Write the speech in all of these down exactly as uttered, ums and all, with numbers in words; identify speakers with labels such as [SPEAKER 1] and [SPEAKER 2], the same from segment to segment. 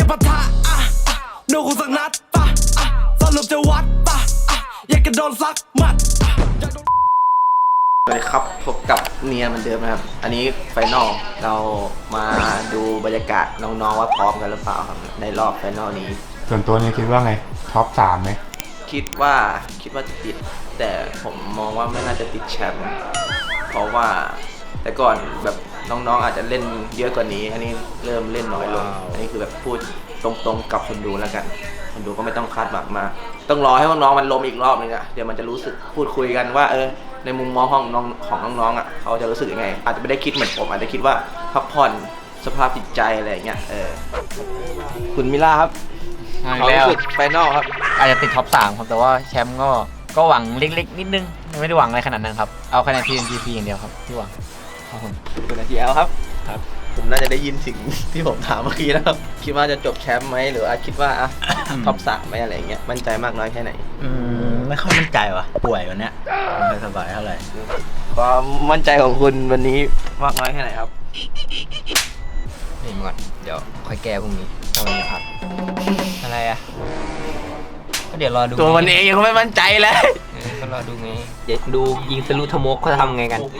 [SPEAKER 1] ปะทะโดนกูสักนัดปะสรุปจะวัดปะอยากกระโดนซักมัด
[SPEAKER 2] สวัสดีครับพบกับเนียเหมือนเดิมนะครับอันนี้ไฟนอลเรามาดูบรรยากาศน้องๆว่าพร้อมกันหรือเปล่าครับในรอบไฟนอลนี้
[SPEAKER 3] ส่วนตัวนี้คิดว่าไงท็อปสามไหม
[SPEAKER 2] คิดว่าคิดว่าจะติดแต่ผมมองว่าไม่น่าจะติดแชมป์เพราะว่าแต่ก่อนแบบน้องๆอาจจะเล่นเยอะกว่านี้อันนี้เริ่มเล่นน้อยลงอันนี้คือแบบพูดตรงๆกับคนดูแล้วกันคนดูก็ไม่ต้องคาดหวังมากต้องรอให้น้องๆมันล้มอีกรอบนึงอะเดี๋ยวมันจะรู้สึกพูดคุยกันว่าเออในมุมมองของน้องของน้องๆอ่ะเขาจะรู้สึกยังไงอาจจะไม่ได้คิดเหมือนผมอาจจะคิดว่าพักผ่อนสภาพจิตใจอะไรอย่างเงี้ยเออคุณมิล่าครับเขารู้สึกไฟนอลครับ
[SPEAKER 4] อาจจะติดท็อปสามครับแต่ว่าแชมป์ก็ก็หวังเล็กๆนิดนึงไม่ได้หวังอะไรขนาดนั้นครับเอาคะแนน ที เอ็น จี พี อย่างเดียวครับที่หวังครับผม
[SPEAKER 2] คุณอาจีแอลครับครับผมน่าจะได้ยินสิ่งที่ผมถามเมื่อกี้นะครับคิดว่าจะจบแชมป์ไหมหรือว่าคิดว่าอ่ะท็อปสามไหมอะไรอย่างเงี้ยมั่นใจมากน้อยแค่ไหน
[SPEAKER 5] อืมไม่ค่อยมั่นใจว่ะป่วยวันเนี้ยไม่สบายเท่าไหร่
[SPEAKER 2] ความมั่นใจของคุณวันนี้มากน้อยแค่ไหนครับ
[SPEAKER 4] นี่มาก่อนเดี๋ยวค่อยแก้พรุ่งนี้ถ้าวันนี้พักอะไรอ่ะก็เดี๋ยวรอดู
[SPEAKER 2] ตัวมันเองยังไม่มั่นใจเลย
[SPEAKER 4] ก็รอดูไงเดี๋ยวดูยิงทะลุทะมกเขาทำไงกัน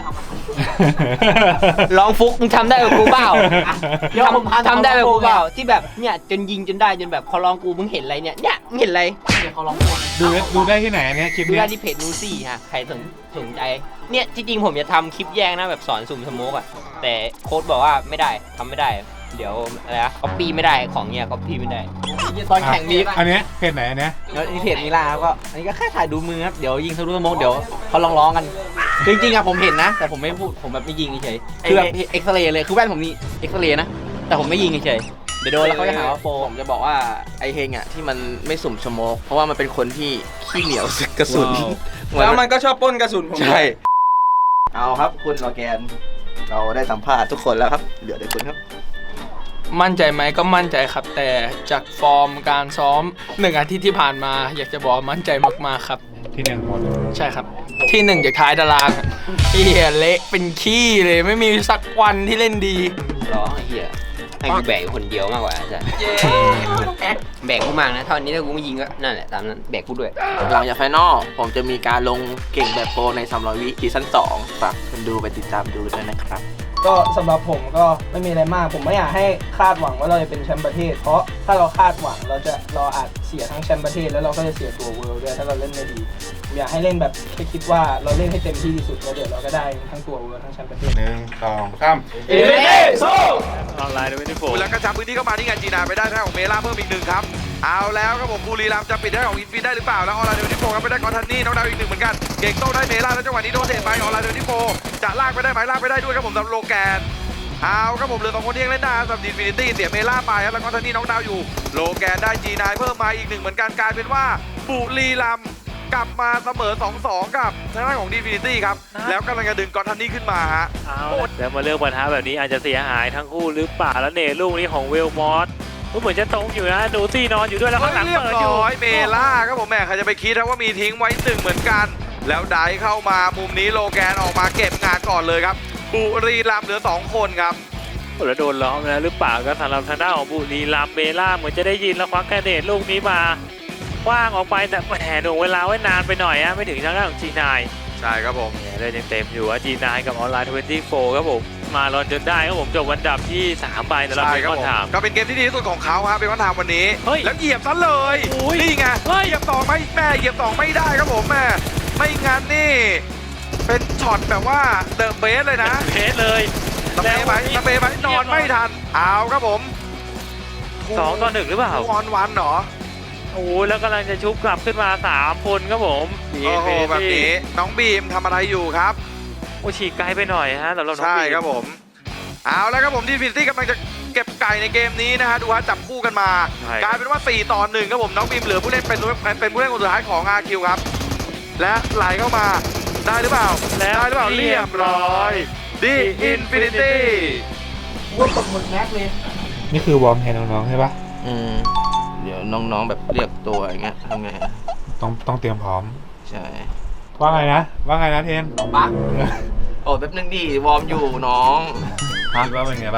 [SPEAKER 4] ลองฟุกมึงทำได้กับกูเปล่าทำได้กับกูเปล่าที่แบบเนี่ยจนยิงจนได้จนแบบเขาลองกูมึงเห็นอะไรเนี่ยเนี่ยมึงเห็นอะไรเดี๋ยวเขาลอง
[SPEAKER 3] ดูดูได้ที่ไหนอันนี้คลิปนี้
[SPEAKER 4] ดูได้ที่เพจนูซี่ฮะใครสนสนใจเนี่ยจริงๆผมจะทำคลิปแยกนะแบบสอนสุ่มสโมกอ่ะแต่โค้ดบอกว่าไม่ได้ทำไม่ได้เดี๋ยวอะไรนะก๊อปปี้ไม่ได้ของเนี่ยก๊อปปี้ไม่ได้ตอนแข่งมี
[SPEAKER 3] อันนี้เพจไหนอันนี้
[SPEAKER 4] แล้วนี่เพจมิลาก็อันนี้ก็แค่ถ่ายดูมือครับเดี๋ยวยิงทะลุสโมกเดี๋ยวเขาลองร้องกันจริงๆอะผมเห็นนะแต่ผมไม่พูดผมแบบไม่ยิงเฉยคือแบบเอ็กซเรย์เลยคือแว่นผมนี่เอ็กซเรย์นะแต่ผมไม่ยิงเฉยเดี๋ยวโดนแล้วเขาจะหาว่าโปร
[SPEAKER 2] ผมจะบอกว่าไอเฮงอ่ะที่มันไม่สุ่มสโมกเพราะว่ามันเป็นคนที่ขี้เหนียวกระสุน
[SPEAKER 5] แล้วมันก็ชอบป้นกระสุนผม
[SPEAKER 2] ใช่เอาครับคุณออร์แกนเราได้สัมภาษณ์ทุกคนแล้วครับเหลือแต่คุณครับ
[SPEAKER 6] มั่นใจไหมก็มั่นใจครับแต่จากฟอร์มการซ้อมหนึ่งอาทิตย์ที่ผ่านมาอยากจะบอกมั่นใจมากๆครับ
[SPEAKER 3] ที่หนึ่งหมด
[SPEAKER 6] ใช่ครับที่หนึ่งจากท้ายตารางเฮียเละเป็นขี้เลยไม่มีสักวันที่เล่นดี
[SPEAKER 4] ร้องเฮียให้กูแบกคนเดียวมากกว่าจ้ะแบกกูมากนะเท่านี้ถ้ากูไม่ยิงก็นั่นแหละตามนั้นแบกกูด้วย
[SPEAKER 2] หลังจากไฟนอลผมจะมีการลงเก่งแบบโปรในสามร้อยวิซีซั่นสองฝากคนดูไปติดตามดูด้วยนะครับ
[SPEAKER 7] ก็สำหรับผมก็ไม่มีอะไรมากผมไม่อยากให้คาดหวังว่าเราจะเป็นแชมป์ประเทศเพราะถ้าเราคาดหวังเราจะเราอาจเสียทั้งแชมป์ประเทศแล้วเราก็จะเสียตัวเวิลด์ด้วยถ้าเราเล่นไม่ดีผมอยากให้เล่นแบบแค่คิดว่าเราเล่นให้เต็มที่ที่สุดแล้วเดี๋ยวเราก็ได้ทั้งตัวเวิลด์ทั้งแชมป์ประเทศ
[SPEAKER 3] หนึ่งสองสาม
[SPEAKER 7] เอเอสู้
[SPEAKER 8] ออนไลน์ด้วยที่โฟแล้วก็จับพื้นที่เข้ามาที่งานจีนาไปได้ทางของเมล่าเพิ่มอีกหนึ่งครับเอาแล้วครับผมบุรีรัมย์จะปิดได้ของอินฟินได้หรือเปล่าแล้วออนไลน์ด้วยที่โฟครับไปได้กอทันนี่น้องดาวอีกหนึ่งเหมือนกันเก่งโต้ได้เมล่าแล้วจังหวะนี้โดนเตะไปออนไลน์ด้วยที่โฟจะลากไปได้ไหมลากไปได้ด้วยครับผมสำหรับโลแกนเอาครับผมเหลือสองคนที่ยังเล่นได้สำหรับอินฟินิตี้เสียเมล่าไปครับแล้วก็ทันนี่น้องดาวอยู่โลแกนได้จีนายเพิ่มมาอีกหนึ่งเหมือนกันกลายเป็นว่าบุรีรัมย์กลับมาเสมอ สองสอง กับทางด้านของดีฟินิตี้ครับแล้วกำลังจะดึงกอทันนี่ขึ้นมาฮะ
[SPEAKER 9] แล้วมาเลือกปัญหาแบบนี้อาจจะเสียหายทั้งคู่หรือเปล่าแล้วเนลูกนี้ของเวลมอสก็เหมือนจะตรงอยู่นะดูซี่นอนอยู่ด้วยแล้วข้างหลังเปิดอยู่
[SPEAKER 8] เมล่าครับผมแม่ใครจะไปคิดว่ามีทิ้งไว้หนึ่งเหมือนกันแล้วไดเข้ามามุมนี้โลแกนออกมาเก็บงานก่อนเลยครับบุรีรัมย์เหลือสองคนครับ
[SPEAKER 9] แล้วโดนล้อมแล้วหรือเปล่าก็สำหรับทางด้านของบุรีรัมย์เมล่าเหมือนจะได้ยินแล้วควักแกเนตลูกนี้มาคว้างออกไปแต่แหมหน่วงเวลาไว้นานไปหน่อยอะไม่ถึงทางด้านของจีนาย
[SPEAKER 8] ใช่ครับผม
[SPEAKER 9] เลยยังเต็มอยู่ว่าจีนายกับออนไลน์ยี่สิบสี่ครับผมมาลอนจนได้ครับผมจบวันดับที่สามใบสำหรับเป็นคอนถาม
[SPEAKER 8] ก็เป็นเกมที่ดีที่สุดของเขาครับเป็นคอนถามวันนี้แล้วเหยียบซะเลยนี่ไงเหยียบสองไม่แม่เหยียบสองไม่ได้ครับผมแม่ไม่งั้นนี่เป็นช็อตแบบว่าเดอะเบสเลยนะ
[SPEAKER 9] เบสเลย
[SPEAKER 8] ตะเบไหมตะเบไหมนอนไม่ทันเอาครับผม
[SPEAKER 9] สองต่อหนึ่งหรือเปล่า
[SPEAKER 8] ออนวันเหรอ
[SPEAKER 9] โอ้แล้วกำลังจะชุบกลับขึ้นมาสามคนครับผม
[SPEAKER 8] โอ้โหแบบนี้น้องบีมทำอะไรอยู่ครับ
[SPEAKER 9] โอ้ฉีกไกลไปหน่อยฮะแต่เรา
[SPEAKER 8] ใช่ครับผมเอาแล้วครับผมดีฟินิตี้กำลังจะเก็บไก่ในเกมนี้นะฮะดูฮะจับคู่กันมากลายเป็นว่าสี่ต่อหนึ่งครับผมน้องบีมเหลือผู้เล่นเป็นเป็นผู้เล่นคนสุดท้ายของ อาร์ คิว ครับและไหลเข้ามาได้หรือเปล่าได้หรือเปล่าเรียบร้อยดีอินฟินิตี้
[SPEAKER 7] ว่าตกหมดแม็กเลย
[SPEAKER 3] นี่คือวอร์มให้น้องๆใช่ปะ
[SPEAKER 2] อืมเดี๋ยวน้องๆแบบเรียกตัวอย่างเงี้ยทำไง
[SPEAKER 3] ต้องต้องเตรียมพร้อม
[SPEAKER 2] ใช่
[SPEAKER 3] ว่าไงนะว่าไงนะเทน
[SPEAKER 2] ปักโอ้แป๊บนึงดิวอร์มอยู่น้อง
[SPEAKER 3] คิดว่าเป็นไงบ้าง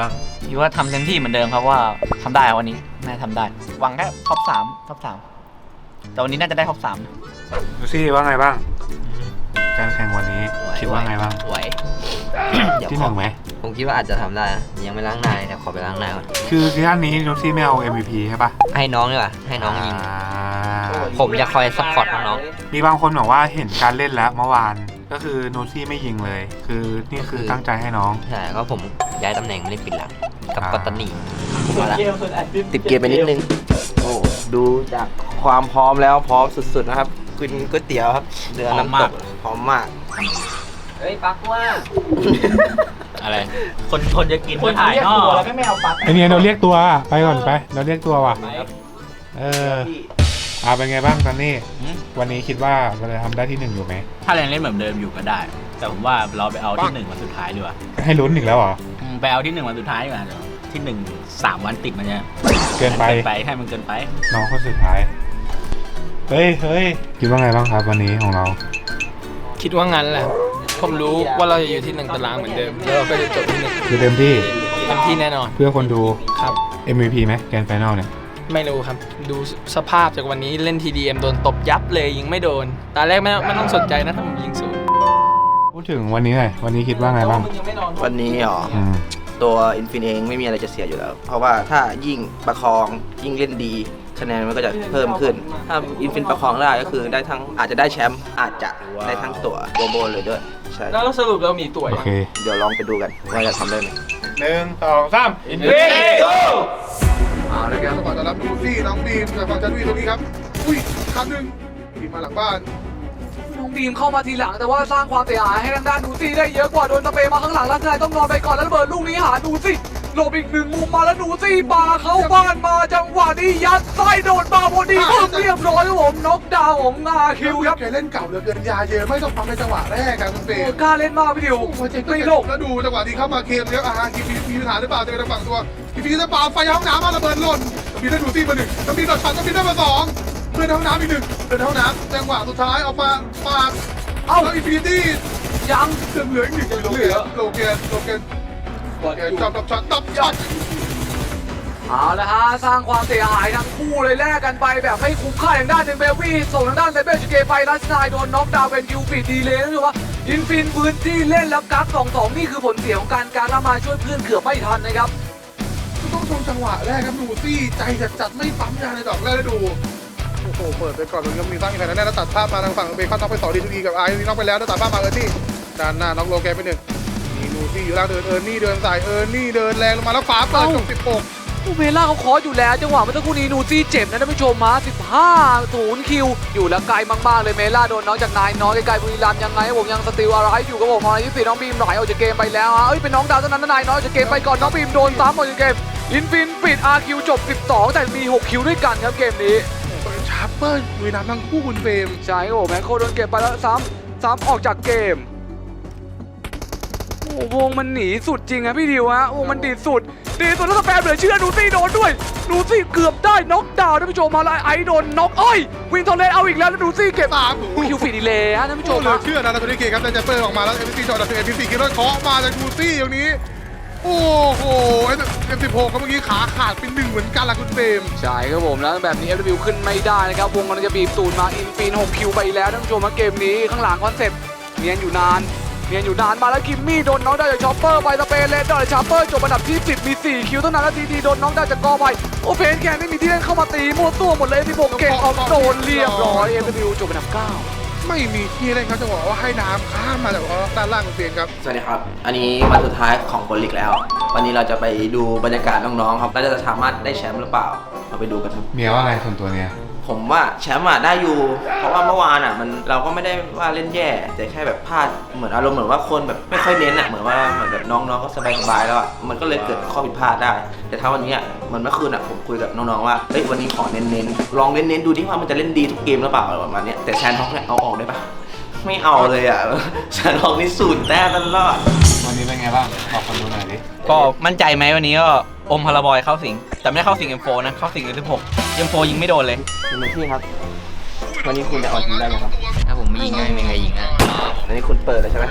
[SPEAKER 4] คิดว่าทำเต็มที่เหมือนเดิมครับว่าทำได้วันนี้น่าทำได้หวังแค่ท็อปสามท็อปสามแต่วันนี้น่าจะได้ท็อปสาม
[SPEAKER 3] ดูซี่ว่าไงบ้าง การแข่งวันนี้คิดว่าไงบ้าง
[SPEAKER 10] ไหว
[SPEAKER 3] ที่หนึ่งไหม
[SPEAKER 10] ผมคิดว่าอาจจะทำได้นะยังไม่ล้างหน้าเลยนะขอไปล้างหน้าก่อน
[SPEAKER 3] คือซีซั่นนี้ดูซี่ไม่เอา เอ็ม วี พี ใช่ปะ
[SPEAKER 10] ให้น้องดีกว่าให้น้องยิง
[SPEAKER 3] อ่า
[SPEAKER 10] ผมจะคอยซัพพอร์ตน้อง
[SPEAKER 3] มีบางคนบอกว่าเห็นการเล่นแล้วเมื่อวานก็คือโนซี่ไม่ยิงเลย คือนี่คือตั้งใจให้น้อง
[SPEAKER 10] ๆใช่ก็ผมย้ายตำแหน่งมาเล่นปิดหลังกับ
[SPEAKER 3] อ่า
[SPEAKER 10] ปัตตานีมาละ
[SPEAKER 2] ติดเกมไปนิดนึง โอ้ดูจากความพร้อมแล้วพร้อมสุดๆนะครับกินก๋วยเตี๋ยวครับเรือน้ำตกพร้อมมาก
[SPEAKER 4] เฮ้ยปักว่า
[SPEAKER 5] อะไร คนคนจะกิน
[SPEAKER 4] คน
[SPEAKER 5] ถ่าย
[SPEAKER 4] เรียก
[SPEAKER 5] นอ
[SPEAKER 4] ตัว
[SPEAKER 5] ก
[SPEAKER 4] แล้วก็ไม่เอาปัก
[SPEAKER 3] ไอเนี่ยเราเรียกตัวไปก่อนไป เราเรียกตัวว่ะเอออ่าเป็นไงบ้างตอนนี้ วันนี้คิดว่าเราจะทำได้ที่หนึ่งอยู่ไหม
[SPEAKER 5] ถ้ายังเล่นเหมือนเดิมอยู่ก็ได้ แต่ผมว่าเราไปเอาที่หนึ่งวันสุดท้ายดีกว่า
[SPEAKER 3] ให้ลุ้นอีกแล้วเหรอ
[SPEAKER 5] อืมไปเอาที่หนึ่งวันสุดท้ายดีกว่าเดี๋ยวที่หนึ่งสามวันติดมันจะ
[SPEAKER 3] เกินไป
[SPEAKER 5] เกินไปให้มันเกินไป
[SPEAKER 3] น้องคนสุดท้าย เฮ้ยเฮ้ยคิดว่าไงบ้างครับวันนี้ของเรา
[SPEAKER 6] คิดว่างั้นแหละ ผมรู้ว่าเราจะอยู่ที่หนึ่งตารางเหมือนเดิมแล้วเราก็จะจบที่หนึ่ง
[SPEAKER 3] คือเต็มที่
[SPEAKER 6] เต็มที่แน่นอน
[SPEAKER 3] เพื่อคนดู
[SPEAKER 6] ครับ
[SPEAKER 3] เอ็ม วี พี ไหมแกรนด์ไฟนอลเนี่ย
[SPEAKER 6] ไม่รู้ครับ ดูสภาพจากวันนี้เล่น ที ดี เอ็ม โดนตบยับเลยยิงไม่โดน ตาแรกไม่ไม่ต้องสนใจนะถ้าผมยิงศูนย์
[SPEAKER 3] พูดถึงวันนี้หน่อยวันนี้คิดว่าไงบ้าง
[SPEAKER 2] วันนี้เหรอ
[SPEAKER 3] อืม
[SPEAKER 2] ตัวอินฟินเองไม่มีอะไรจะเสียอยู่แล้ว เพราะว่าถ้ายิ่งประคองยิ่งเล่นดีคะแนนมันก็จะเพิ่มขึ้น ถ้าอินฟินประคองได้ก็คือได้ทั้งอาจจะได้แชมป์อาจจะได้ทั้งตัวโบโบเลยด้วยใช่
[SPEAKER 6] แล้วสรุปเรามีตัว
[SPEAKER 3] โอเค
[SPEAKER 2] เดี๋ยวลองไปดูกันว่าจะทำได้ไหม
[SPEAKER 3] หนึ่งสองสามอิน
[SPEAKER 6] เฮ้ย
[SPEAKER 11] เอาเลยครับสปอร์ตต้อนรับดูซี่น้องบีมจากฝั่งจันทวีตรงนี้ครับ อุ้ยครั้งหนึ่งบีมมาหลังบ้าน
[SPEAKER 1] น้องบีมเข้ามาทีหลังแต่ว่าสร้างความเสียหายให้ทางด้านดูซี่ได้เยอะกว่าโดนตะเปมาข้างหลังแล้วนายต้องนอนไปก่อนแล้วระเบิดลูกนี้หาดูซี่หลบอีกหนึ่งมุมมาแล้วดูซี่ปาเข้าบ้านมาจังหวะนี้ยัดไส้โดดมาพอดีปึ๊บเรียบร้อยครับผมน็อกดาวน์ของอาคิวครับ
[SPEAKER 11] แกเล่นเก่าเหลือเกินยาเยอะไม่ต้องฟังในจังหวะแรกครับคุณเฟ
[SPEAKER 1] โอ้
[SPEAKER 11] ย์
[SPEAKER 1] กล้าเล่นมากพี่ดิว
[SPEAKER 11] โอ้ยเจ๋ง
[SPEAKER 1] ไม่โลก
[SPEAKER 11] แล้วดูจังหวะนี้เข้ามาเคมแล้วอาฮาคีพีมีปัญหาหรือเปล่าจะเป็นทางฝั่งตัวคีพีจะปาไฟห้องน้ำมาระเบิดหล่นมีได้ดูซี่มาหนึ่งต้องมีโดดชันต้องมีได้มาสองเพื่อนห้องน้ำอีกหนึ่งเพื่อนห้องน้ำจังหวะสุดท้ายออกมาปาเอ้าแล้วอินฟินิตี้
[SPEAKER 1] ยัง
[SPEAKER 11] เหลืออีกหนึ่งเหลือโลเกนโลเกนโลเกนจับจับช็อตตับช็อต
[SPEAKER 1] เอาละฮะสร้างความเสียหายทั้งคู่เลยแลกกันไปแบบไม่คุ้มค่าอย่างด้านหนึ่งเบลวี่ส่งทางด้านไซเบอร์จูเกไปลัสนายโดนน็อกดาวน์เป็นคิวปิดดีเลยนะถือว่าอินฟินพื้นที่เล่นแล้วกักสองสองนี่คือผลเสียของการการละมาช่วยเพื่อนเกือบไม่ทันนะครับ
[SPEAKER 11] ต้องชมจังหวะแรกครับดูซี่ใจจัดจัดไม่ปั๊มยาในดอกแรกได้ดูโอ้โหเปิดไปก่อนมันก็มีตั้งอีกแผ่นแน่แล้วตัดภาพมาทางฝั่งเบคอนน็อกไปสองดีทูดีกับไอซ์น็อกไปแล้วแล้วตัดภาพมาเออร์นี่ด้านหน้าน็อกโลแกนไปหนึ่งมีนูซี่อยู่ล่างเดินเออร์นี่เดินสายเออร์นี่เดินแรงลงมาแล้วฟ้าเปิดจบสิบหก
[SPEAKER 1] อูเมล่าเขาคออยู่แล้วจังหวะเมื่อสักครู่นี้นูซี่เจ็บนะท่านผู้ชมมาสิบห้าศูนย์คิวอยู่แล้วไกลมากๆเลยเมล่าโดนน้องจากนายน้อยไกลๆบุรีรัมย์ยังไงผมยังสติลอะไรอยู่กับผมมาที่สี่น้องบีมไหลออกจากเกมไปแล้วฮะเอ้ยเป็นน้องดาวเท่านั้นนายน้อยออกจากเกมไปก่อนน้องบีมโดนซ้ำออกจากเกมอินฟินปิด อาร์ คิว จบสิบสองแต่มีหกคิวด้วยกันครับเกมนี้
[SPEAKER 11] เป็นชาร์เปอร์บุรีรัมย์ทั้งคู่คุณเฟรม
[SPEAKER 1] ใช่ครับผมแมคโครโดนเก็บไปแล้วซ้ำซ้ำออกจากเกมโอ้วงมันหนีสุดจริงครับพี่ดิวฮะวงมันดีสุดดีสุดแล้วสแปมเหลือเชื่อนูซี่โดนด้วยนูซี่เกือบได้น็อกดาวน์ท่านผู้ชมมาแล้วไอโดนน็อกเอ้ยวินทอร์เลนเอาอีกแล้วแล้วนูซี่เก็บ
[SPEAKER 11] สาม
[SPEAKER 1] คิวฟีดีเลยฮะท่านผู้ช
[SPEAKER 11] โอ้
[SPEAKER 1] ม
[SPEAKER 11] เหลือ
[SPEAKER 1] ฮะ
[SPEAKER 11] เชื่อนะนาโทนิเกครับแต่จะเปิดออกมาแล้วเอ็มซีจอดับเอ็มซีคิดว่าเคาะมาจากดูซี่อย่างนี้โอ้โหเอ็มสิบหกครับเมื่อกี้ขาขาดเป็นหนึ่งเหมือนกันล่ะคุณเฟรม
[SPEAKER 1] ใช่ครับผมแล้วแบบนี้ เอฟ ดับเบิลยู ขึ้นไม่ได้นะครับวงกำลังจะบีบตูนมาอินฟินหกคิวไปแล้วท่านผู้ชมฮะเกมนี้ข้างหลังคอนเซ็ปต์เนียนอยู่นานเนียนอยู่นานมาแล้วกิมมี่โดนน้องได้จากชอปเปอร์ไปสเปนเลนดอร์ชอปเปอร์จบอันดับที่สิบมีสี่คิวเท่านั้นแล้วทีดีโดนน้องได้จากกอไปโอเพนแกนไม่มีที่เล่นเข้ามาตีมั่วตัวหมดเลยที่ผมเก่งออกโดนเรียบร้อย เอฟ ดับเบิลยู จบอันดับเก้า
[SPEAKER 11] ไม่มีที่เล่นครับจะบอกว่าให้น้ำข้ามมาจากด้านล่างของเตียงครับ
[SPEAKER 2] สวัสดีครับ อันนี้วันสุดท้ายของโปรลีกแล้ว วันนี้เราจะไปดูบรรยากาศน้องๆครับเราจะสามารถได้แชมป์หรือเปล่าเราไปดูกันครับ
[SPEAKER 3] เมียว่าไงส่วนตัวเนี่ย
[SPEAKER 2] ผมว่าแชมป์อะได้อยู่ เพราะว่าเมื่อวานอะมันเราก็ไม่ได้ว่าเล่นแย่ แต่แค่แบบพลาดเหมือนอารมณ์เหมือนว่าคนแบบไม่ค่อยเน้นอะเหมือนว่าเหมือนแบบน้องๆก็สบายๆแล้วอะมันก็เลยเกิดข้อผิดพลาดได้ แต่ถ้าวันนี้อะเหมือนเมื่อคืนอะผมคุยกับน้องๆว่าเฮ้ยวันนี้ขอเน้นๆลองเน้นๆดูดิว่ามันจะเล่นดีทุกเกมหรือเปล่าประมาณนี้แต่แชนท็อกเนี่ยเอาออกได้ปะไม่เอาเลยอะแชนท็อกนี่สูญแต้มตลอด
[SPEAKER 3] วันนี้เป็นไงบ้างบอกคนดูหน่อยดิ
[SPEAKER 4] ก็มั่นใจไหมวันนี้ก็อมพาราบอยเข้าสิงแต่ไม่ได้เข้าสิง เอ็ม โฟร์ นะเข้าสิง เอ็ม สิบหก เอ็ม โฟร์ ยิงไม่โดนเลย
[SPEAKER 2] คุณพี่ครับ วันนี้คุณจะเอาทีมได้ไหมครับ
[SPEAKER 10] ถ้าผมไม่ยิงไงไม่มีใครยิงนะ
[SPEAKER 2] อันนี้คุณเปิดเลยใช่ไหม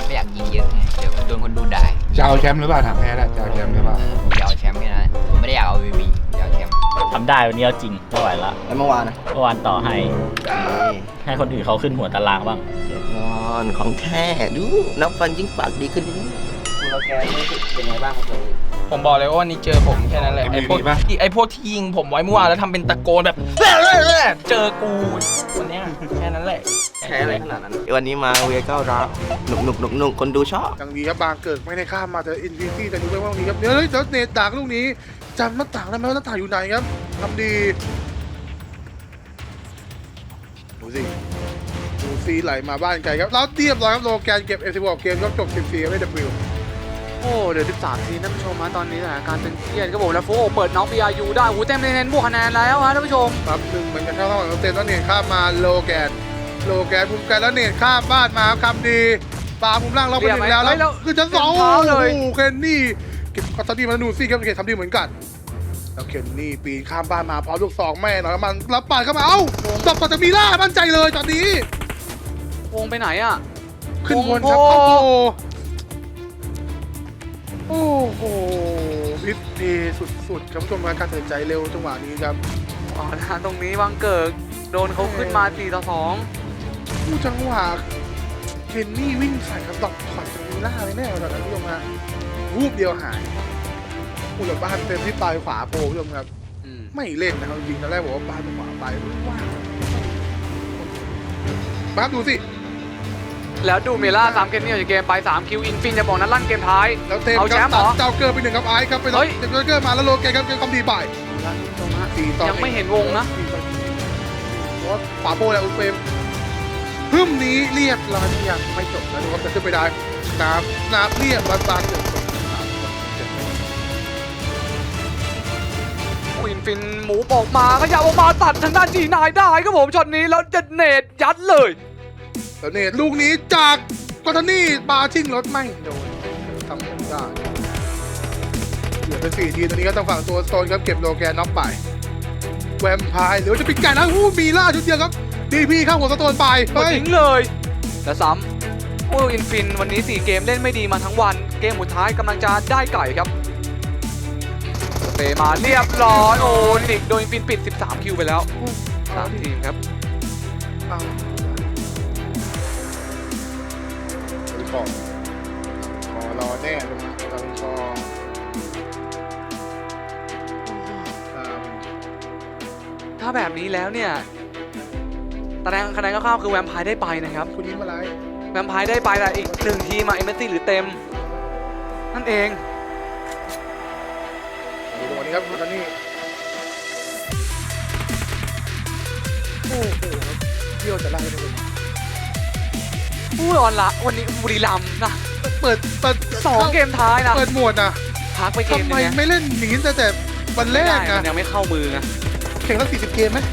[SPEAKER 10] ไม่อยากยิงเยอะไงเดี๋ยวโดนคนดูด่า
[SPEAKER 3] จะเอาแชมป์หรือเปล่าถามแพ้แหละจะเอาแชมป์หรือเปล่า
[SPEAKER 10] ผมจะเอาแชมป์แค่นั้นผมไม่ได้อยากเอาวีบีผมจะเอาแชมป์
[SPEAKER 5] ทำได้วันนี้เอาจริงไม่ไหวละ
[SPEAKER 2] แล้วเมื่อวานนะ
[SPEAKER 5] เมื่อวานต่อให้ ให้คนอื่นเขาขึ้นหัวตารางบ้าง
[SPEAKER 2] นอนของแท้ดูนับฟันยิ่งปากดีขึ้น
[SPEAKER 4] คุณโลแกนนี่เป็นไงบ้างครับตรงนี้
[SPEAKER 6] ผมบอกเลยว่าวันนี้เจอผมแค่นั้นแหละไอ้พวกที่ไอ้พวกที่ยิงผมไว้เมื่อวานแล้วทำเป็นตะโกนแบบเจอกูวันเนี้ยแค่นั้นแหละ
[SPEAKER 2] แพ้อะไรขนาดนั้น วันนี้มาเวก้ารับหนุกหนุกหนุกหนุกคนดูชอบ
[SPEAKER 11] ยังดีครับบางเกิดไม่ได้ข้ามมาแต่อินฟินิตี้แต่ดูไปว่าตรงนี้ครับเดี๋ยวเฮ้ยเดี๋ยวเนตดักลูกนี้จำหน้าต่างได้ไหมว่าหน้าต่างอยู่ไหนครับทำดีดูสิดูซีไหลมาบ้านไกลครับแล้วเรียบร้อยครับโลแกนเก็บเอฟซีบอลเกมก็จบสิบสี่ไม่ดับบิล
[SPEAKER 1] โอ้เดี๋ยวสิบสามทีท่านผู้ชมฮะตอนนี้สถานการณ์เป็นเครียดครับผมแล้วโฟโอเปิดน้อง พี อาร์ ยู ได้หูเต็มเลยเน้นบวกคะแนนแล้วฮะท่านผู้ชม
[SPEAKER 11] ครับหนึ่งเหมือนกันเข้าระหว่างเต็มแล้วเนตข้ามมาโลแกนโลแกนภูมิกันแล้วเนตข้ามบ้านมาครับคำดีปาภูมิล่างเราไปหนึ่งแล้วแล้วคือชั้นสองโอ้โหเคนนี่เก็บคอตตี้มาดูซี่ครับเคนทำดีเหมือนกันแล้วเคนนี่ปีนข้ามบ้านมาพร้อมลูกสองแม่หน่อยมันรับปาดเข้ามาเอ้าตบต่อจากมีล่ามั่นใจเลยตอนนี้
[SPEAKER 1] วงไปไหนอ่ะ
[SPEAKER 11] ขึ้นบนครับโอ้โหโอ้โหพิษเพสุดๆครับผู้ชมการตัดสินใจเร็วจังหวะนี้ครับ
[SPEAKER 1] อ๋อนะตรงนี้วังเกิดโดนเขาขึ้นมาสี่ต่อสอง
[SPEAKER 11] ผู้จังหวะเคนนี่วิ่งใส่ครับดอกถอดจากมีล่าเลยแน่ตอนนั้นผู้ชมฮะวูบเดียวหายผู้หลับบ้านเต็มที่ปลายขวาโผล่ผู้ชมครับ
[SPEAKER 1] อืม
[SPEAKER 11] ไม่เล่นนะครับจริงๆตอนแรกบอกว่าปลายขวาไปว้าวบ้าดูสิ
[SPEAKER 1] แล้วดูเมล่าสามเกมนี้ออกจากเกมไปสามคิวอินฟินจะบอกนั้นลั่นเกมท้าย
[SPEAKER 11] แล้วเต็ม
[SPEAKER 1] เอา
[SPEAKER 11] ค
[SPEAKER 1] แช
[SPEAKER 11] รั
[SPEAKER 1] มป์เหรอ
[SPEAKER 11] เจ้าเกิร์ไปหนึ่งครับไอซ์ครับไป
[SPEAKER 1] เฮ้ย
[SPEAKER 11] เจ้าเกิร์มาแล้วโลเกครับเกมคำดีไป
[SPEAKER 1] แล้วท่านผู้ชมฮะ
[SPEAKER 11] สี่ต่อ
[SPEAKER 1] ยังไม่เห็นวงนะ
[SPEAKER 11] เพราะว่าฝาโปแล้วอุลเฟรมพึ่มนี้เรียบร้อยยังไม่จบแล้วดูครับจะขึ้นไปได้น้ำน้ำเรียบร้อยบางเดือด
[SPEAKER 1] อินฟินหมูออกมาขยับออกมาตัดทางด้านจีนายได้ครับผมช็อตนี้แล้วจะเนตยัดเลย
[SPEAKER 11] แล้วเนี่ยลูกนี้จากกอตานี่ปาชิ่งรถไม่โดนทำไม่ได้เหลือเป็นสี่ทีมตอนนี้ก็ต้องฝั่งตัวโซนครับเก็บโลแกนน็อกไปแวมไพร์หรือว่าจะปิดไก่นะอู้มีล่าชุดเดียวครับดีพีเข้าหัวสโตนไป
[SPEAKER 1] หมดทิ้งเลยแล้วซ้ำโอ้อินฟินวันนี้สี่เกมเล่นไม่ดีมาทั้งวันเกมสุดท้ายกำลังจะได้ไก่ครับเตะมาเรียบร้อยโอ้นิกโดนอินฟินปิดสิบสามคิวไปแล้วสามทีมครับ
[SPEAKER 11] เอาดูของคอรอแน่ตรงตรงคออ่า
[SPEAKER 1] ถ้าแบบนี้แล้วเนี่ยตารางคะแนนคร่าวๆคือแวมไพร์ได้ไปนะครับ
[SPEAKER 11] คุณยิ้มอะไร
[SPEAKER 1] แวมไพร์ได้ไปแต่อีกหนึ่งทีมมาเอเมซี่หรือเต็มนั่นเอง
[SPEAKER 11] ดูตรงนี้ครับคุณตอนนี้โอ้โหครับเที่ยวจะไล่ไปเลย
[SPEAKER 1] อู้ออนละวันนี้บุรีรัมย์นะ
[SPEAKER 11] เปิดเปิด
[SPEAKER 1] สองเกมท้ายนะ
[SPEAKER 11] เปิดหมวดนะ
[SPEAKER 1] พักไปเกม
[SPEAKER 11] ทำไม
[SPEAKER 1] นึงนะ
[SPEAKER 11] ไม่เล่นหนีแต่แต่วันแรก
[SPEAKER 1] ไม่ได้
[SPEAKER 11] นะ
[SPEAKER 1] มันยังไม่เข้ามือไง
[SPEAKER 11] แข่งตั้งสี่สิบเกมไหม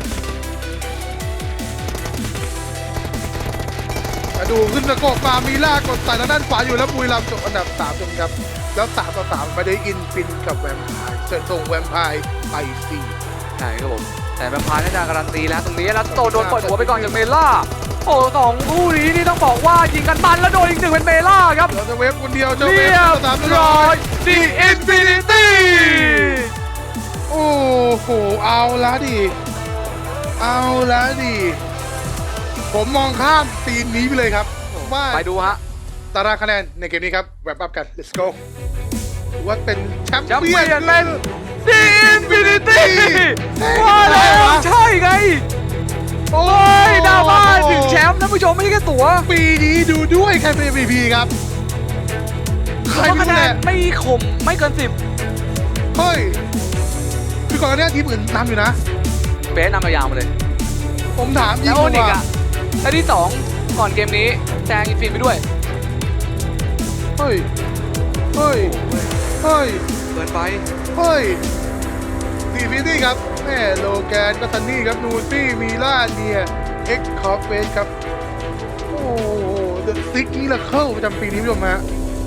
[SPEAKER 11] มาดูขึ้นตะโกกมามีล่ากดใส่ทางด้านขวาอยู่แล้วบุรีรัมย์จบอันดับสามจนครับแล้วสามต่อสามไปได้อินฟินกับแวมไพร์เสร็จส่งแวมไพร์ไปสี่
[SPEAKER 1] ใช่ครับผมแต่แวมไพร์น่าจะการันตีแล้วตรงนี้แล้วโตโดนเปิดหัวไปก่อนจากเมล่าโอ้สองคู่นี้นี่ต้องบอกว่ายิงกันมันแล้วโดนอีกหนึ่งเป็นเมล่าครับ
[SPEAKER 11] เราจะเวฟคนเดียวจะเว
[SPEAKER 1] เรี
[SPEAKER 11] ฟ
[SPEAKER 1] ยบ
[SPEAKER 11] สาม
[SPEAKER 1] ร้อยดีอินฟินิตี้
[SPEAKER 11] โอ้โหเอาละดิเอาละดิผมมองข้ามซีนนี้ไปเลยครับว่า
[SPEAKER 1] ไปดูฮะ
[SPEAKER 11] ตารางคะแนนในเกมนี้ครับแวปอัพกัน let's go ถือว่าเป็นแชมป์
[SPEAKER 1] แชมป์
[SPEAKER 11] เปี้ย
[SPEAKER 1] เปี้ยน
[SPEAKER 11] น
[SPEAKER 1] เป็นดีอินฟินิตี้
[SPEAKER 11] เฮ้ย
[SPEAKER 1] ว่าแล้วใช่ไง
[SPEAKER 11] โอ้
[SPEAKER 1] โอ้ยดาบ้าถึงแชมป์ท่านผู้ชมไม่ใช่แค่ตั๋ว
[SPEAKER 11] ปีนี้ดูด้วยใครเป็น เอ็ม วี พี ครับใคร
[SPEAKER 1] เพราะ
[SPEAKER 11] ไม่
[SPEAKER 1] คะ
[SPEAKER 11] รู้
[SPEAKER 1] แน
[SPEAKER 11] แห
[SPEAKER 1] น
[SPEAKER 11] ละ
[SPEAKER 1] ไม่คมไม่เกินสิบ
[SPEAKER 11] เฮ้ยคือก่อนหน้านี้ทีมอื่นนำอยู่นะ
[SPEAKER 1] เบสนำยาวๆมาเลย
[SPEAKER 11] ผมถามยิ
[SPEAKER 1] แล้
[SPEAKER 11] ง
[SPEAKER 1] วโอนิก
[SPEAKER 11] ว่า
[SPEAKER 1] อะและที่สองก่อนเกมนี้แซงอินฟินไปด้วย
[SPEAKER 11] เฮ้ยเฮ้ยเฮ้ย
[SPEAKER 1] เกินไป
[SPEAKER 11] เฮ้ยซีฟิตี้ครับแม่โลแกนกัตตันนี่ครับนูซี่มีล่าเนียเอ็กคอฟเฟสครับโอ้โหเดอะซิกมิราเคิลประจำปีนี้ผู้ชมฮะ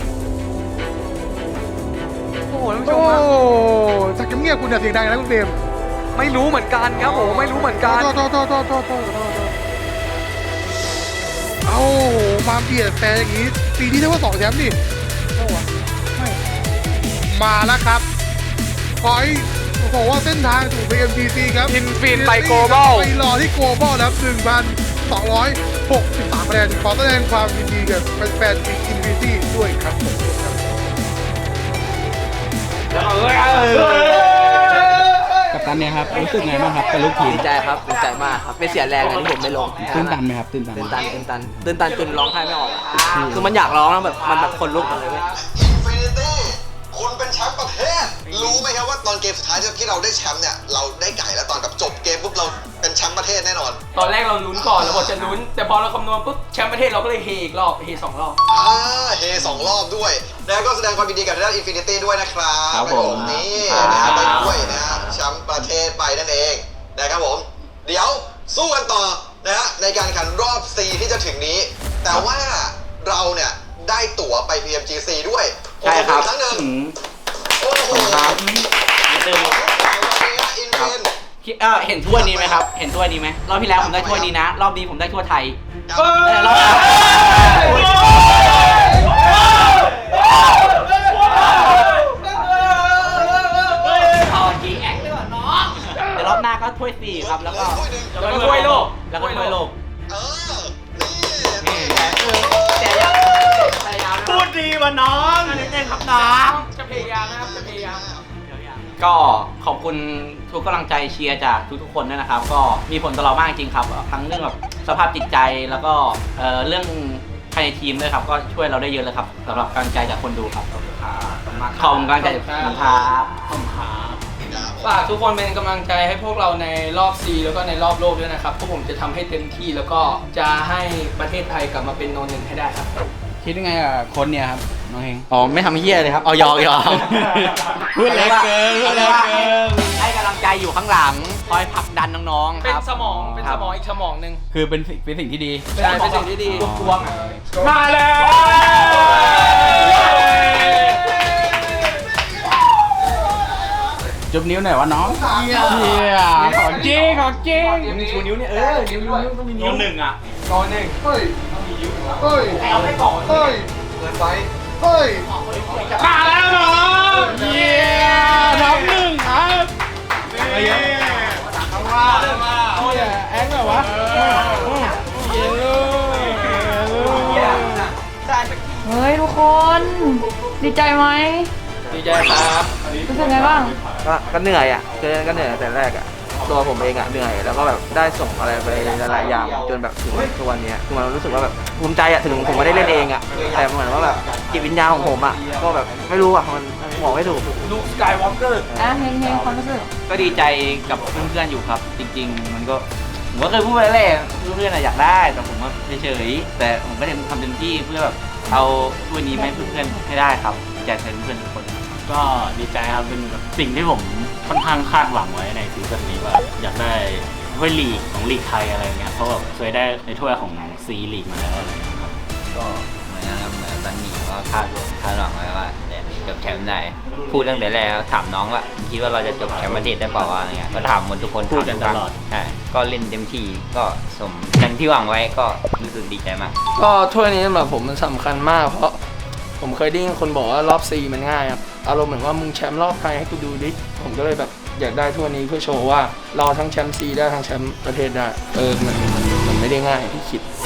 [SPEAKER 1] โอ้โหท่านผู้ช
[SPEAKER 11] โอ้
[SPEAKER 1] มฮะ
[SPEAKER 11] จากเงียบๆคุณอย่าเสียงดังนะคุณเฟรม
[SPEAKER 1] ไม่รู้เหมือนกันครับผมไม่รู้เหมือนกัน
[SPEAKER 11] โทษโทษโทษโทษโทษโทษโทษเอ้ามาเบียดแฟนอย่างนี้ปีนี้ได้ว่าสองแชมป์นี่โอ้ไม่มาแล้วครับขอให้บอกว่าเส้นทางถูก พี เอ็ม จี ซี ครับ
[SPEAKER 1] Infinite ไป Global
[SPEAKER 11] ไปรอที่ Global แล้ว หนึ่งพันสองร้อยหกสิบสาม คะแนนขอแสดงความยินดีกับแฟนๆทีม Infinity ด้วยครับผม
[SPEAKER 4] กัปตันเนี่ยครับรู้สึกไงบ้างครับเป็นลูกทีม
[SPEAKER 2] ดีใจครับดีใจมากครับไม่เสียแรงเลยที่ผมไม่ลง
[SPEAKER 4] ตื่นตันไหมครับตื่นตัน
[SPEAKER 2] ตื่นตันตื่นตันตื่นตันจนร้องไห้ไม่ออกอะคือมันอยากร้องแล้วแบบมันแบบคนลุกมาเลยเว้ย
[SPEAKER 12] Infinity คุณเป็นแชมป์ประเทศรู้ไหมครับว่าตอนเกมสุดท้ายที่เราได้แชมป์เนี่ยเราได้ไก่แล้วตอนกับจบเกมปุ๊บเราเป็นแชมป์ประเทศแน่นอน
[SPEAKER 6] ตอนแรกเราลุ้นก่อนเราบอกจะลุ้น แต่พอเราคำนวณปุ๊บแชมป์ประเทศเราก็เลยเฮอีกรอบเฮสองรอบ
[SPEAKER 12] อ่าเฮสองรอบด้วยแล้วก็แสดงความยินดีกับทางด้าน Infinity ด้วยนะครับ
[SPEAKER 2] ครับผม
[SPEAKER 12] นี่นะครับไปด้วยนะฮะแชมป์ประเทศไปนั่นเองนะครับผมเดี๋ยวสู้กันต่อนะฮะในการแข่งขันรอบ C ที่จะถึงนี้ แต่ว่าเราเนี่ยได้ตั๋วไป พี เอ็ม จี ซี ด้วย
[SPEAKER 2] ใช่ครับ
[SPEAKER 12] ครั้งหนึ่งโอ้โห
[SPEAKER 2] ครับ
[SPEAKER 4] เออเห็นถ้วยนี้ไหมครับเห็นถ้วยนี้ไหมรอบที่แล้วผมได้ถ้วยนี้นะ รอบนี้ผมได้ถ้วยไทย
[SPEAKER 12] เออ
[SPEAKER 4] รอบเดี๋ยวรอบหน้าก็ถ้วยสี่ครับแล้วก็
[SPEAKER 6] แล้วก็ถ้วยโลก
[SPEAKER 4] แล้วก็ถ้วยโลก
[SPEAKER 12] เออนี่
[SPEAKER 4] แต่ยังพูดดีว่ะน้องนิดนึงครับน้อง
[SPEAKER 6] จะพยายามนะครับจะพยายาม
[SPEAKER 4] ก็ขอบคุณทุกกำลังใจเชียร์จากทุกๆคนด้วยนะครับ ก็มีผลต่อเรามากจริงครับทั้งเรื่องแบบสภาพจิตใจแล้วก็เอ่อเรื่องภายในทีมด้วยครับก็ช่วยเราได้เยอะเลยครับสำหรับกำลังใจจากคนดูครับขอบคุณครับขอบคุณกำลังใจจากคนดูครับขอบคุณครับ
[SPEAKER 6] ฝากทุกคนเป็นกำลังใจให้พวกเราในรอบ C แล้วก็ในรอบโลกด้วยนะครับพวกผมจะทำให้เต็มที่แล้วก็จะให้ประเทศไทยกลับมาเป็นโนหนึ่งให้ได้ครับ
[SPEAKER 4] คิดยังไงกับคนเนี่ยครับน้องเฮงอ๋อไม่ทำเฮี้ยเลยครับเอายอกยอกพูดเล็กเกินพูดเล็กเกินให้กำลังใจอยู่ข้างหลังคอยผลักดันน้องๆค
[SPEAKER 6] เป็น
[SPEAKER 4] รับ
[SPEAKER 6] สมองเป็นสมองอีกสมองหนึ่ง
[SPEAKER 4] คือเป็นสิ่งเป็นสิ่งที่ดี
[SPEAKER 6] ใช่เป็นสิ่งที่ดี
[SPEAKER 4] ทวง
[SPEAKER 6] มาแล้ว
[SPEAKER 4] จุบนิ้วหน่อยวะน้องเฮียของจริงของจริงชูนิ้วเนี่ยเออนิ้วนิ้วต้องมีนิ้วหนึ่งอ่ะ
[SPEAKER 6] ก่อนหนึ่ง
[SPEAKER 11] เฮ้ยเฮ้ย
[SPEAKER 4] เอาไปก่อน
[SPEAKER 11] เฮ้ยเกินไปเฮ้ย
[SPEAKER 6] มาแล้วน้องเย้ท็อปหนึ่งครับ
[SPEAKER 11] นี่
[SPEAKER 6] เอาว่าเอาว่าเอาอย่าแอคแบบวะเย้ลูก
[SPEAKER 13] เฮ้ยทุกคน ดีใจไหม
[SPEAKER 6] ดีใจครับ
[SPEAKER 13] รู้สึกไงบ้าง
[SPEAKER 2] ก็ก็เหนื่อยอ่ะคือก็เหนื่อยตั้งแต่แรกอ่ะตัวผมเองอ่ะเหนื่อยแล้วก็แบบได้ส่งอะไรไปหลายๆอย่างจนแบบถึงทุกวันนี้คือมันรู้สึกว่าแบบภูมิใจอ่ะถึงผมไม่ได้เล่นเองอ่ะแต่เหมือนว่าแบบจิตวิญญาณของผมอ่ะก็แบบไม่รู้อ่ะมันบอกไม่ถูก
[SPEAKER 6] ลูกสกายวอล์กเกอร์
[SPEAKER 13] อ่ะเฮงเฮงความรู้สึก
[SPEAKER 4] ก็ดีใจกับเพื่อนๆอยู่ครับ จริงๆ มันก็ผมก็เคยพูดไปแล้วเพื่อนๆอยากได้แต่ผมว่าเฉยๆแต่ผมก็ทำเต็มที่เพื่อแบบเอาถ้วยนี้ให้เพื่อนๆให้ได้ครับอยากให้เพื่อนๆทุกคน
[SPEAKER 9] ก็ดีใจครับเป็นแบบสิ่งที่ผมค่อนข้างคาดหวังไว้ในซีซั่นนี้ว่าอยากได้ถ้วยลีกของลีกไทยอะไรเงี้ยเพราะแบบเคยได้ในถ้วยของซีลีกมาแล้วอะไรเงี้ยครับ
[SPEAKER 10] ก็เหมือนนะครับเหมือนตอนนี้ก็คาดหวังคาดหวังไว้ว่าจะจบแชมป์ได้พูดตั้งแต่แรกถามน้องว่าคิดว่าเราจะจบแชมป์ประเทศได้เปล่าวะอะไรเงี้ยก็ถามหมดทุกคน
[SPEAKER 9] พูดกันตลอด
[SPEAKER 10] ใช่ก็เล่นเต็มที่ก็สมดังที่หวังไว้ก็รู้สึกดีใจมาก
[SPEAKER 6] ก็ถ้วยนี้สำหรับผมมันสำคัญมากเพราะผมเคยได้ยินคนบอกว่ารอบ C มันง่ายครับอารมณ์เหมือนว่ามึงแชมป์รอบไทยให้กูดูดิผมก็เลยแบบอยากได้ถ้วยนี้เพื่อโชว์ว่าเราทั้งแชมป์ C ได้ทั้งแชมป์ประเทศได้เออมันมันมันไม่ได้ง่ายที่คิด